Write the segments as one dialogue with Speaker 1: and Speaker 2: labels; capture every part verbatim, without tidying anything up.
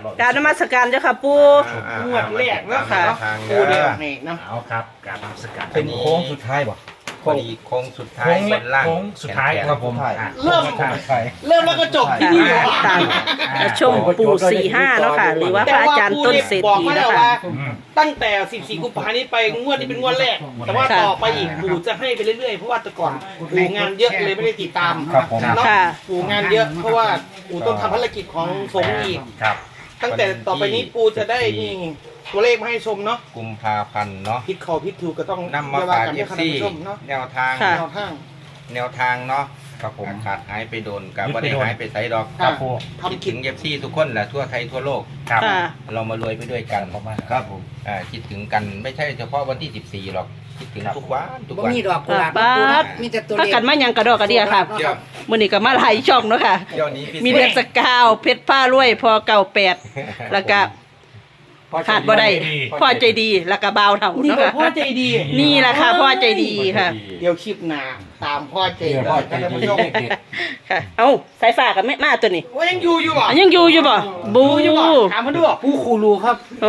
Speaker 1: การนมัสการเจ้าค่ะปู่
Speaker 2: งวดแรกแล้วค่ะปูเดียวนี่นะ
Speaker 3: เอาครับการนมัสการ
Speaker 4: เป็นโค้งสุดท้ายบ่
Speaker 5: พอดีโค้งสุดท้ายเป็นล่าง
Speaker 3: โค้งสุดท้าย
Speaker 5: แขนๆ
Speaker 3: ครับผม
Speaker 2: เริ่ม
Speaker 3: ใช่ใช่
Speaker 2: เริ่มแล้วก็จบที่นี่เหรอ
Speaker 1: ตามชมปู่สี่ห้าเนาะค่ะ หรือว่าพระอาจารย์ต้นเศรษ
Speaker 2: บอก
Speaker 1: ฐี
Speaker 2: มา
Speaker 1: นะ
Speaker 2: แล้ว
Speaker 1: คะ
Speaker 2: ว่า ตั้งแต่สิบสี่กุมภาพันธ์นี้ไปงวดนี้เป็นงวดแรก แต่ว่าต่อไปอีกปู่จะให้ไปเรื่อยๆเพราะว่าแต่ก่อนปู่งานเยอะเลยไม่ได้ติดตาม
Speaker 4: ครับผม
Speaker 2: เนาะ
Speaker 1: ค่ะ
Speaker 2: ปู่งานเยอะเพราะว่าปู่ต้องทำภารกิจของสงฆ์อีก
Speaker 3: ครับ
Speaker 2: ตั้งแต่ต่อไปนี้ปู่จะได้นี่ตัวเลขมาให้ชมเนาะ
Speaker 5: กุมภาพันธ์เนาะ
Speaker 2: ผิดเขาผิดถูกก็ต้อง
Speaker 5: นำมาฝาก
Speaker 2: เรี
Speaker 5: เอย
Speaker 2: ก
Speaker 5: ฟ
Speaker 2: กัน
Speaker 5: ซี
Speaker 2: ให้ชมเนาะ
Speaker 5: แนวทาง
Speaker 1: ค่ะ
Speaker 2: แนวทาง
Speaker 5: แนวทางเนาะ
Speaker 4: ครับผม
Speaker 5: ขาดหายไปโดนกับ
Speaker 3: ยึด
Speaker 5: ว่า
Speaker 3: ไป
Speaker 5: ได้
Speaker 3: โดน
Speaker 5: หายไปไสดอก
Speaker 3: ครับผม
Speaker 5: คิด
Speaker 2: ทำ
Speaker 5: ถึ
Speaker 2: คิด
Speaker 5: งเอฟซีทุกคนแหละทั่วไทยทั่วโลก
Speaker 3: ครับ
Speaker 1: ค่ะ
Speaker 5: เรามารวยไปด้วยกัน
Speaker 4: ครับผม
Speaker 5: อ่าคิดถึงกันไม่ใช่เฉพาะวันที่สิบสี่หรอกคิดถึงทุกวันทุก
Speaker 6: บ่
Speaker 5: วัน
Speaker 6: มีดอกกุหลาบ
Speaker 1: ป๊าด
Speaker 6: มีแต่ตัว
Speaker 1: ถ้า
Speaker 6: เล็ก
Speaker 1: กันมาหยังกระดอกกระเดียค่ะ
Speaker 5: เดี๋ยว
Speaker 1: มื้อนี้ก็มาหลายช่องเนาะค่ะ
Speaker 5: เดี๋ยวนี้พิเศษ
Speaker 1: มีเดือนสกาวเพชรผ้ารวยพอเก่าแปดแล้วก็ขาดบ่ได้พ่อใจดีแล้วก็บ่าวเท่า
Speaker 2: นี่
Speaker 1: เนาะ
Speaker 2: ก็
Speaker 1: ค่ะ
Speaker 2: พ่อใจดี
Speaker 1: นี่แหละค่ะพ่อใจดีค่ะ
Speaker 2: เดี๋ยวคลิปหน้าตามพ่อใจ
Speaker 4: เดี๋ยว
Speaker 2: ดี
Speaker 4: พ่อใจ
Speaker 2: ท่าน
Speaker 4: ดี
Speaker 2: ผู้ชม
Speaker 1: ค่ะ เอ้าสายฟ้ากับแม่มาตัวนี้
Speaker 2: ว่ายังอยู่อยู่บ่
Speaker 1: อันยังอยู่อยู่บ่บู
Speaker 2: ดูอยู่บ่ถามมาดูบ่ผู้คูรูครับ
Speaker 1: โอ้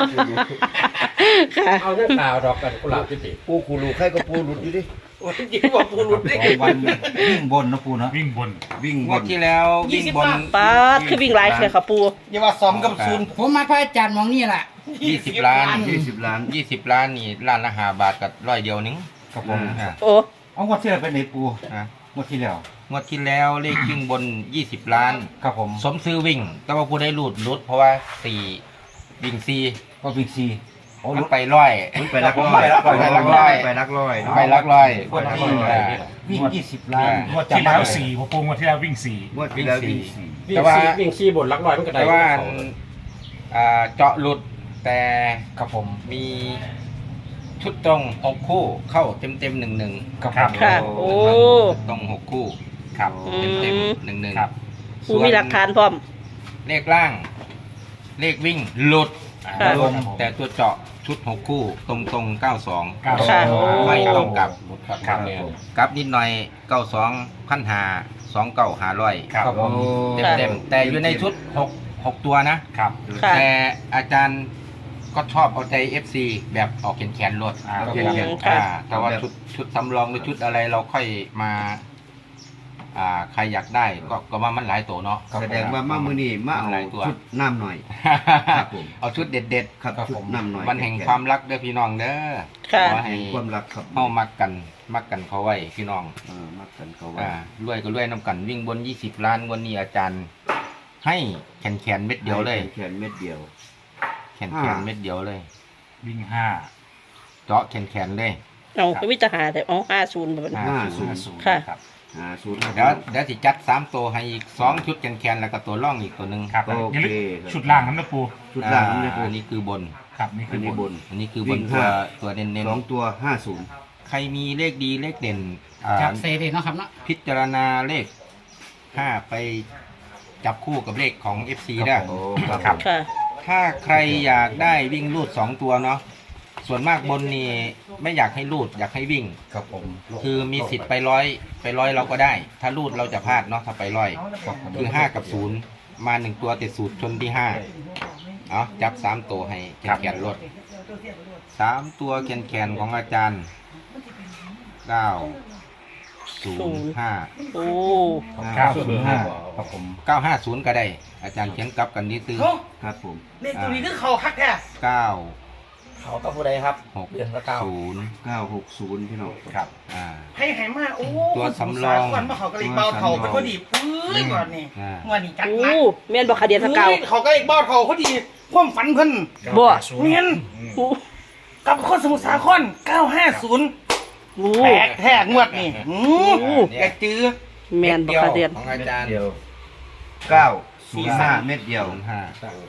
Speaker 1: ค่ะ
Speaker 4: เอาเรื่องข่าวดอกกันกุหลาบจิติ
Speaker 7: ปูคูรูใครก็ปูหลุดอยู่ดิ
Speaker 2: โอ้ยยิ่งกว่าผู้รุดดิ
Speaker 4: สองวันวิ่งบนนะปูเนาะ
Speaker 3: วิ่งบน
Speaker 7: วิ่ง
Speaker 5: ง
Speaker 7: บ
Speaker 5: วด
Speaker 7: น
Speaker 5: ที่แล้ววิ่งบน
Speaker 1: ป๊าดคือวิ่งหลายเลยค่ะปู
Speaker 2: อย่าว่าสองกับศูนย์
Speaker 6: ผมมาพระอาจารย์มองนี่แหละ
Speaker 5: ยี่สิบล้าน
Speaker 7: ยี่สิบล้าน
Speaker 5: ยี่สิบล้านนี่ล้านละห้าบาทกับร้อยเดียวนึง
Speaker 4: ครับผม
Speaker 5: อ่า
Speaker 1: โอ้
Speaker 4: เอางวดที่แล้วเป็นไหนปู
Speaker 5: อ่ะ
Speaker 4: งวดที่แล้ว
Speaker 5: งวดที่แล้วเลขวิ่งบนยี่สิบล้าน
Speaker 4: ครับผม
Speaker 5: สมซื้อวิ่ง แต่ว่าผู้ได้รูดรุดเพราะว่าสี่วิ่งสี่
Speaker 4: ก็วิ่งซีโอ้
Speaker 5: มันไปร้อย
Speaker 7: มันไปลักร้อย
Speaker 5: ไปลักร้อย
Speaker 7: ไปลักร้อย
Speaker 5: ไปลักร้อย
Speaker 4: งวดที่
Speaker 5: อ่า
Speaker 4: วิ่งยี่สิบล้าน
Speaker 3: งวดที่แล้วสี่พอปูงวดที่แล้ววิ่งสี่
Speaker 7: งวดที่แล้ววิ่งสี่
Speaker 5: แต่ว่า
Speaker 4: วิ่งซีบนลักลอยมันก็ได้
Speaker 5: แต่ว่าอ่าเจาะหลุดแต่
Speaker 4: ครับผม
Speaker 5: มีชุดตรงหกคู่เข้าเต็มเต็มหนึ่งหนึ่ง
Speaker 4: ครับ
Speaker 3: ครับ
Speaker 1: ค่ะ โอ้
Speaker 5: ตรงหกคู่
Speaker 3: ครับ
Speaker 5: เต็มเต็มหนึ่งหนึ่ง
Speaker 3: ครับ
Speaker 1: ปูมีหลักฐานพร้อม
Speaker 5: เลขล่าง เลขวิ่งหลุด
Speaker 1: ค่ะ
Speaker 5: ลงแต่ตัวเจาะชุดหกคู่ตรงตรงเก้าสอง
Speaker 3: เก้าส
Speaker 1: ค่ะ
Speaker 3: อง
Speaker 5: ไม่ต้องกลับ
Speaker 3: ครับ
Speaker 5: กลับนิดหน่อยเก้าสองพันหาสองเก้าหาร้อย
Speaker 3: ครับ
Speaker 4: ครับผม
Speaker 5: เต็มเต็มแต่อยู่ในชุดหกหกตัวนะ
Speaker 3: ครับ
Speaker 1: ค่ะ
Speaker 5: แต่อาจารย์ก็ชอบเอาใจ เอฟ ซี แบบออกแขนแขนๆรถ
Speaker 3: อ่า
Speaker 5: อ่า
Speaker 1: อืมค่ะ
Speaker 5: แต่ว่าชุดชุดสำรองหรือชุดอะไรเราค่อยมาอ่าใครอยากได้ก็ก็ว่ามันหลายตัวเนาะ
Speaker 7: แสดงว่ามามือนี่มาเอา
Speaker 5: หลายตัว
Speaker 7: ชุดน้ำหน่อย ครับผม
Speaker 5: เอาชุดเด็ด
Speaker 7: ครับชุดน้ำหน่อย
Speaker 5: ๆวันแห่งความรักเด้อพี่น้องเด้อ
Speaker 1: ค่ะ
Speaker 5: ขอให้
Speaker 7: แห่งความรักครับ
Speaker 5: เข้ามักกันมักกันเขาไว้พี่น้อง
Speaker 7: เออมักกันเขาไว้
Speaker 5: อ่ารวยก็รวยน้ำกันวิ่งบนยี่สิบล้านวันนี้อาจารย์ ให้แขนแขนๆเม็ดเดียวเลย
Speaker 7: แขนเม็ดเดียว
Speaker 5: แขนแขนๆเม็ดเดียวเลย
Speaker 3: วิ่งห้า
Speaker 5: เจาะแขนแขนๆเลย
Speaker 1: เอาไปวิจารณ์แต่อ๋อห้าศูนย์แบบนี้
Speaker 7: ห้า
Speaker 3: ศูนย์ศูนย์
Speaker 1: ค่ะ
Speaker 3: ครับ
Speaker 7: หาศูนย์
Speaker 5: เดี๋ยวเดี๋ยวสิจัดสามตัวให้อีกสองชุดแขนแขนๆแล้วก็ตัวร่องอีกตัวหนึ่ง
Speaker 3: ครับ
Speaker 7: โอ
Speaker 3: อย่า
Speaker 7: เค
Speaker 3: ลืม
Speaker 7: ครับ
Speaker 3: ชุดล่างน้ำนะปู
Speaker 7: ชุดล่างนี่
Speaker 5: อ่าอันนี้คือบน
Speaker 3: ครับนี่
Speaker 7: อั
Speaker 3: คื
Speaker 7: น
Speaker 3: อ
Speaker 7: นี้
Speaker 3: บบ น
Speaker 7: น
Speaker 5: อันนี้คือบ
Speaker 7: วิ่
Speaker 5: น
Speaker 7: ง
Speaker 5: ตัว
Speaker 7: ห้า
Speaker 5: ตัวเน้น
Speaker 7: สองตัวห้าศูนย์
Speaker 5: ๆใครมีเลขดีเลขเด่นอ่า
Speaker 6: จับเซเลยเนาะครับเนาะ
Speaker 5: พิจารณาเลขห้าไปจับคู่กับเลขของ เอฟ ซี ได้
Speaker 7: โอ้ครับ
Speaker 3: ครับ
Speaker 1: ค่ะ
Speaker 5: ถ้าใครอยากได้วิ่งลูดสองตัวเนาะส่วนมากบนนี่ไม่อยากให้ลูดอยากให้วิ่ง
Speaker 4: ครับผม
Speaker 5: คือมีสิทธิ์ไปร้อยไปร้อยเราก็ได้ ถ้าลูดเราจะพลาดเนาะถ้าไปร้อย
Speaker 4: ครับผม
Speaker 5: คือห้ากับศูนย์มาหนึ่งตัวติดสูตรชนที่ห้าเอาจับสามตัวให้แขนแขนรถสามตัวแขนแขนของอาจารย์เก้าศูนย์ห้า
Speaker 1: โอ้
Speaker 3: เก้า
Speaker 4: ศู
Speaker 3: ศู
Speaker 4: น
Speaker 3: น
Speaker 4: ย์
Speaker 3: ย์
Speaker 4: ห้า
Speaker 3: ห้า
Speaker 4: ครับผม
Speaker 5: เก้าห้าศูนย์ก็ได้ อาจารย์เขียนกลับกันนี้ซื้อ
Speaker 2: เฮ้ย
Speaker 7: ครับผม
Speaker 2: เลขตัวนี้คือเขาคักแท้
Speaker 5: เก้า
Speaker 4: เขากับผู้ใดครับ
Speaker 5: หก
Speaker 4: เดือนละเก้า
Speaker 5: ศูนย์
Speaker 7: เก้าหกศูนย์พี่น้อง
Speaker 4: ครับ
Speaker 5: อ่า
Speaker 2: ให้หายมาโอ้
Speaker 5: ตัวสำรอง
Speaker 2: ก่อนมาเขากระลิกเบาเถาเป็นพอดีปื้ยก่อนนี่
Speaker 5: อ่า
Speaker 2: งวดนี้จัด
Speaker 1: โอ้
Speaker 2: หนัก
Speaker 1: เมียนบอกขาเดียนสกาว
Speaker 2: เฮ้ยเขากระลิกเบาเถาพอดีความฝันเพิ่น
Speaker 1: บ่
Speaker 2: เมียน
Speaker 1: โอ้
Speaker 2: กับคนสมุทรสาครเก้าห้าศูนย์
Speaker 1: โอ้
Speaker 2: แตกแทกงวดนี่หืมแกจื้อ
Speaker 1: เมียนบอกขาเดียน
Speaker 5: ของอาจารย์
Speaker 7: เดียวเก้าศูนย์ห้าเม็ดเดียว
Speaker 5: ศูนย์ห้า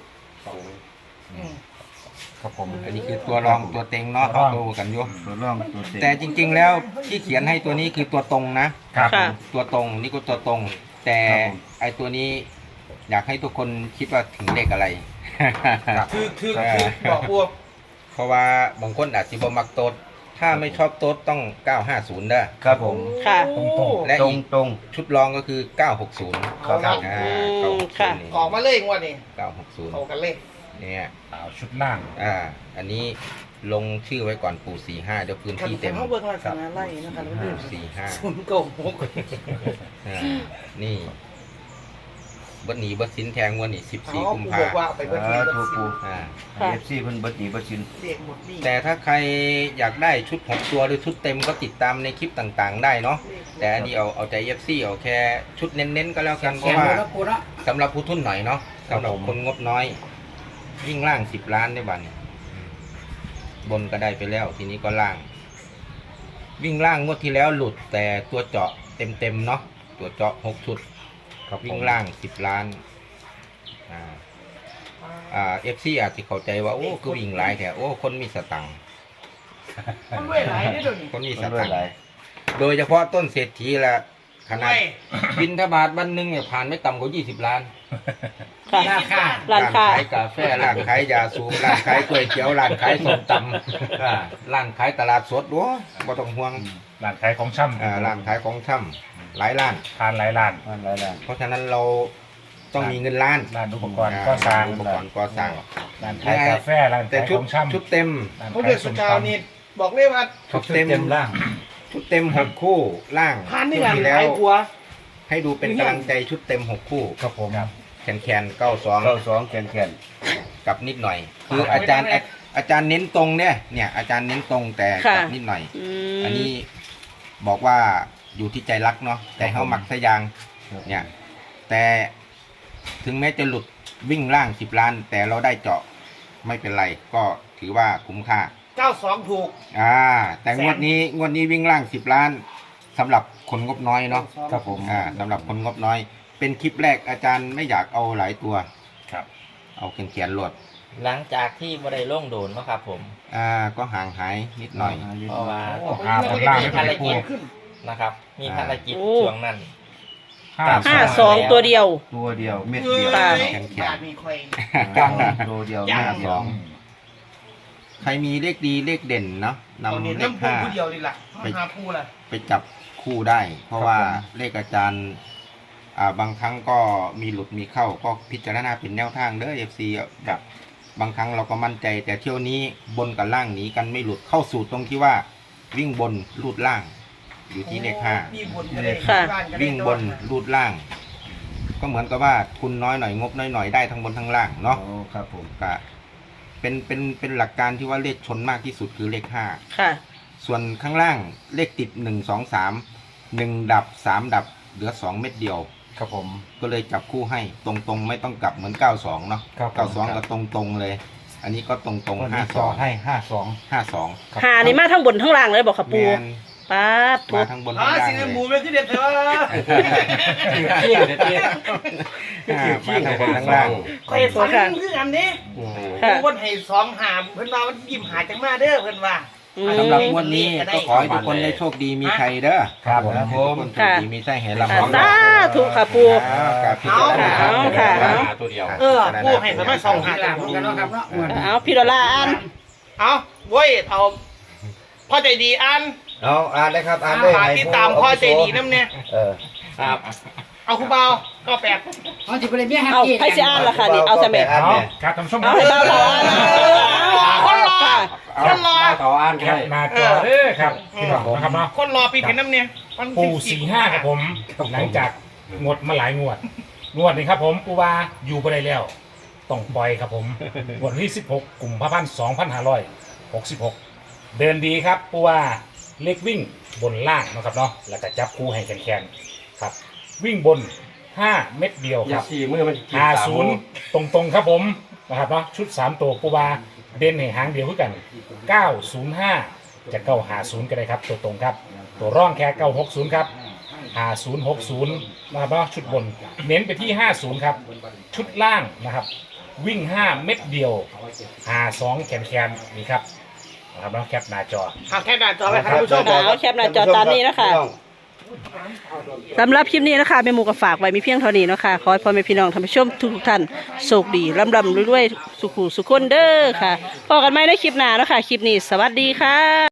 Speaker 4: ครับผม
Speaker 5: อันนี้คือตัวรองตัวเต็งเนาะเขาโตกันอยู่
Speaker 7: ตัวร่องตัวเต็ม
Speaker 5: แต่จริงๆแล้วที่เขียนให้ตัวนี้คือตัวตรงนะ
Speaker 3: ครับ
Speaker 1: ค่ะ
Speaker 5: ตัวตรงนี่ก็ตัวตรง แต่ไอตัวนี้อยากให้ทุกคนคิดว่าถึงเลขอะไร
Speaker 2: คือคือคือบอกพวก
Speaker 5: เพราะว่าบางคนอาจจะบ่มักโตดถ้าไม่ชอบโต๊ดต้องเก้าห้าศูนย์ได้
Speaker 7: ครับผม
Speaker 1: ค่ะ
Speaker 2: โอ้
Speaker 5: และ
Speaker 7: ตร
Speaker 5: อี
Speaker 7: ง
Speaker 5: ก
Speaker 7: ตรง
Speaker 5: ชุดรองก็คือเก้าหกศูนย์
Speaker 2: เอาครับ
Speaker 5: อ่า
Speaker 1: อืมค่ะ
Speaker 5: นี่
Speaker 2: ออกมาเลยงวดนี้
Speaker 5: เก้าหกศูนย์
Speaker 2: เอากันเลย
Speaker 5: เนี่ย
Speaker 3: เอาชุดล่าง
Speaker 5: อ่า อันนี้ลงชื่อไว้ก่อนปู่สี่ห้าเดี๋ยวพื้นที่เต็ม
Speaker 2: เขาเบิกลักษณะไล่นะคะแล้ว
Speaker 5: ปู่
Speaker 2: ดู
Speaker 5: สี่ห้า
Speaker 2: ศูนย์โกหก
Speaker 5: อ่านี่เบัดหนีเบัดสินแทงวันนี้สิบ
Speaker 2: เขา
Speaker 5: สี่กุม
Speaker 2: ปู
Speaker 5: ภา
Speaker 2: บอกว่าไปเบิก
Speaker 7: อ่า
Speaker 2: เบิ
Speaker 7: ถู
Speaker 2: ก
Speaker 7: ก
Speaker 2: สิ
Speaker 7: ปู
Speaker 5: อ่า
Speaker 1: ค่ะ
Speaker 7: เอฟซีเพิ่นเบิดหนีเบิดชิน
Speaker 2: เด็กหมดนี่
Speaker 5: แต่ถ้าใครอยากได้ชุดหกตัวหรือชุดเต็มก็ติดตามในคลิปต่างๆ ได้เนาะแต่อันนี้เอาเอาใจเอฟซีเอาแค่ชุดเน้นๆก็แล้วกันเพ
Speaker 6: แขน
Speaker 5: ราะว่า
Speaker 6: ดูแล้วปูเนาะ
Speaker 5: สำหรับผู้ทุนหน่อยเนาะสำหรับคนงบน้อย วิ่งล่างสิบล้านได้บัดนี้บนก็ได้ไปแล้ว ทีนี้ก็ล่าง วิ่งล่างงวดที่แล้วหลุดแต่ตัวเจาะเต็มๆเนาะตัวเจาะหกชุด วิ่งล่างสิบล้าน อ่า อ่าเอฟซีอาจจะเข้าใจว่า โอ้คือวิ่งหลายแถวโอ้ คนมีสตังค์
Speaker 2: มันด้วยหลายได้ด้วยนี่
Speaker 5: คนมีส
Speaker 7: มันด้ว
Speaker 5: ตั
Speaker 7: ย
Speaker 5: ง
Speaker 7: หลา
Speaker 5: ค์
Speaker 7: ย
Speaker 5: โดยเฉพาะต้นเศรษฐีละขนาด
Speaker 2: ไม่
Speaker 5: บินทบาทวันหนึ่งเนี่ยผ่านไม่ต่ำกว่ายี่สิบล้าน
Speaker 1: ค่ะ
Speaker 6: ราคา
Speaker 1: ร้านค้า
Speaker 5: ขายกาแฟ ร้านขายยาสูบ ร้านขายก๋วยเตี๋ยว ร้านขายส้มตำอ่าร้านขายตลาดสดโว้บ่ต้องห่วง
Speaker 3: ร้านขายของช่ำ
Speaker 5: อ่า ร้านขายของช่ำหลายร้าน
Speaker 3: ทานหลายร้าน
Speaker 7: มันหลายล้าน
Speaker 5: เพราะฉะนั้นเราต้องมีเงินล้าน
Speaker 3: ร้านอุปกรณ์ก็สร้าง
Speaker 5: อุปกรณ์ก่อสร้าง
Speaker 3: ร้านขายกาแฟร้าน
Speaker 5: แต่
Speaker 3: ขาย
Speaker 5: ชุ
Speaker 3: ข
Speaker 5: ด
Speaker 3: องช่ำ
Speaker 5: ชุดเต็ม
Speaker 3: ร้าน
Speaker 2: เขา
Speaker 3: ขา
Speaker 2: เดื
Speaker 3: ย
Speaker 2: อด
Speaker 3: ส้
Speaker 2: สุ
Speaker 3: ม
Speaker 2: ดกาว
Speaker 3: ตำ
Speaker 2: นี่บอกเลยว่า
Speaker 5: ชุดเต็ม
Speaker 7: ล่าง
Speaker 5: ชุดเต็มหกคู่ล่าง
Speaker 2: พันนี่
Speaker 5: ชุด
Speaker 2: งาน
Speaker 5: ที่
Speaker 2: ห
Speaker 5: แล้
Speaker 2: ลา
Speaker 5: วย
Speaker 2: กลัว
Speaker 5: ให้ดูเป็นกำลังใจชุดเต็มหกคู่
Speaker 3: ครับผม
Speaker 5: แคนแคนเก้าสอง
Speaker 7: เก้าสองแขนแขน
Speaker 5: กับนิดหน่อย คืออาจารย์อาจารย์เน้นตรงเนี่ยเนี่ยอาจารย์เน้นตรงแต่
Speaker 1: ค่ะ
Speaker 5: กับนิดหน่อย
Speaker 1: อื
Speaker 5: อัน
Speaker 1: ม
Speaker 5: นี้บอกว่าอยู่ที่ใจรักเนาะแต่เขามักสยางเนี่ยแต่ถึงแม้จะหลุดวิ่งล่างสิบล้าน แต่เราได้เจาะไม่เป็นไร ก็ถือว่าคุ้มค่า
Speaker 2: เก้าสองถูก
Speaker 5: อ่าแต่งวดนี้งวดนี้วิ่งล่างสิบล้านสำหรับคนงบน้อยเนาะ
Speaker 7: ครับผม
Speaker 5: อ่าสำหรับคนงบน้อย เป็นคลิปแรกอาจารย์ไม่อยากเอาหลายตัว
Speaker 3: ครับ
Speaker 5: เอาเขียนเขียนๆรวด
Speaker 8: หลังจากที่บได้ล่งโดนเนาะครับผม
Speaker 5: อ่าก็ห่างหายนิดหน่อย
Speaker 8: เพราะว่า
Speaker 3: โอ้หาบนล่างไม่
Speaker 8: ภาร
Speaker 3: เป็น
Speaker 8: กิ
Speaker 3: ผู้
Speaker 8: จนะครับ มีภารกิจ
Speaker 1: โอ้
Speaker 8: ช่วงนั้น
Speaker 3: ห้า
Speaker 1: ห้าสองตัวเดียว
Speaker 7: ตัวเดียวเม็ด
Speaker 2: เอ้
Speaker 7: เดียว
Speaker 1: ค่ะ
Speaker 2: ยบาทมีคอย
Speaker 7: ตัวเดียว
Speaker 2: จ้า
Speaker 7: ห้าสอง
Speaker 5: ใครมีเลขดีเลขเด่นเนาะ
Speaker 2: เอา
Speaker 5: นำ
Speaker 2: เนี่ย
Speaker 5: เลข
Speaker 2: น้ำพู
Speaker 5: ห้า
Speaker 2: ผู้เดียวนี่แหละหาผู้ละ
Speaker 5: ไปจับคู่ได้ เพราะว่าเลขอาจารย์อ่าบางครั้งก็มีหลุดมีเข้าก็พิจารณาเป็นแนวทางเด้อเอฟซีแบบบางครั้งเราก็มั่นใจ แต่เที่ยวนี้บนกับล่างหนีกันไม่หลุดเข้าสู่ตรงที่ว่าวิ่งบนลูดล่าง อยู่ที่เลขห้า
Speaker 2: มีบนก็ได้
Speaker 1: ค่ะ
Speaker 2: บ้านก็ได้
Speaker 5: วิ่งบนลูดล่าง ก็เหมือนกับว่าทุนน้อยหน่อยงบน้อยหน่อยได้ทั้งบนทั้งล่างเนาะ
Speaker 7: โอ้ครับผม
Speaker 5: ก็เป็นเป็นเป็นหลักการที่ว่าเลขชนมากที่สุดคือเลขห้า
Speaker 1: ค่ะ
Speaker 5: ส่วนข้างล่างเลขติดหนึ่งสองสามหนึ่งดับสามดับเหลือสองเม็ดเดียว
Speaker 3: ครับผม
Speaker 5: ก็เลยจับคู่ให้ตรงๆ ไม่ต้องกลับเหมือนเก้าสองเนาะ
Speaker 3: ครับผม
Speaker 5: เก้าสองก็ตรงๆเลย อันนี้ก็ตรงๆห้าสอง
Speaker 7: ให้ห้าสอง
Speaker 5: ห้าสอง
Speaker 1: หานี่มาทั้งบนทั้งล่างเลยบอกค่ะ
Speaker 5: แม
Speaker 1: ปู
Speaker 5: น
Speaker 1: ป้าดทุ
Speaker 5: มา
Speaker 1: บ
Speaker 5: ทั้งบน
Speaker 2: อ๋อ
Speaker 5: ทั้งล่าง
Speaker 2: สี
Speaker 5: เลย
Speaker 2: หมูเป็นที่เด็ดเถอะ
Speaker 7: เที่ยงเที่ยง
Speaker 5: อ่ามาทั้งบนทั้งล่าง
Speaker 2: คอยฝันคืออันนี้
Speaker 1: ค่ะ
Speaker 2: ผู้คนให้สองหามเพิ่นว่ามันยิ้มหาจังมาเด้อเพิ่นว่า
Speaker 1: อืม
Speaker 5: สำหรับงวดนี้ก็ขอให้ทุกคนได้โชคดีมีชัยเด้อ
Speaker 3: ครับผม
Speaker 5: ทุกคนโชคดีมีชัยให้ลำ
Speaker 1: ค่ะ
Speaker 5: พร้อม
Speaker 1: สาธุค่ะปู
Speaker 5: อ้าวกับพี่จารณา
Speaker 1: เอาค่ะเอา
Speaker 4: ตัวเดียว
Speaker 2: เออผู้ให้สามารถสองหา
Speaker 6: หลานเหมือนกันเนาะครับเนาะอ้วน
Speaker 1: เอาพี่ดอลลาร์อัน
Speaker 2: เอาเว้ยเอาพ่อใจดีอัน
Speaker 7: เอาอ่านเลยครับอ่านเลย
Speaker 2: ฝากติดตามพ่อใจดีน้ำเนี่ย
Speaker 7: เออ
Speaker 4: ครับ
Speaker 2: เอาคุณเบาก็แปด
Speaker 6: เอาจิบเลยเมียฮัก
Speaker 1: เอา
Speaker 6: กี้
Speaker 1: ไพ่สิอ่านล่ะค่ะนี่เอาสมัย
Speaker 3: เอาครับท่านผู้ชมค
Speaker 1: เอา
Speaker 3: รับ
Speaker 1: ให้เบาเบาอ่าน
Speaker 2: คนรอ
Speaker 1: ค่ะ
Speaker 2: คนรอ
Speaker 7: ต่ออ่าน
Speaker 3: แค
Speaker 7: ได้
Speaker 3: ปหน้าจอเด้อครับพี่น้องนะครับเนาะ
Speaker 2: คนรอปีเพ็ญน้ำเนี่ยวัน
Speaker 3: ปู
Speaker 2: ที่
Speaker 3: สี่ห้าครับผม หลังจากงดมาหลายงวด งวดนี้ครับผมปูวาอยู่ไปได้แล้ว ต้องปล่อยครับผมงวดที่สิบหกกลุ่มพระพันสองพันห้าร้อยหกสิบหกเดินดีครับปูวาเล็กวิ่งบนล่างนะครับเนาะแล้วก็จับคู่ให้แขนๆครับ วิ่งบนห้าเม็ดเดียว
Speaker 4: อ
Speaker 3: ค
Speaker 4: ย่า
Speaker 3: รับ
Speaker 4: สี่มือมัน
Speaker 3: ห้าศูนย์ตรงๆครับผมนะครับเนาะชุดสามตัวปูวาเด่นให้หางเดียวคือกันเก้าศูนย์ห้าจะเก้าหาศูนย์ก็ได้ครับตัวตรงครับ ตัวร่องแค่เก้าหกศูนย์ครับห้าศูนย์หกศูนย์นะครับเนาะชุดบนเน้นไปที่ห้าศูนย์ครับชุดล่างนะครับ วิ่งห้าเม็ดเดียวหาสองแขนแขนนี่ครับนะครับเนาะแคปหน้าจอ
Speaker 2: ทางแค่ด่านจอไปครับท่านผู้ชม
Speaker 1: เอาแคปหน้าจอตามนี้นะคะ สำหรับคลิปนี้นะคะแม่หมูก็ฝากไว้มีเพียงเท่านี้เนาะคะขอให้พ่อแม่พี่น้องท่านผู้ชมทุกๆท่านโชคดีร่ำรำรวยๆสุขุสุขคนเด้อค่ะพอกันไหมในคลิปหน้าเนาะคะคลิปนี้สวัสดีค่ะ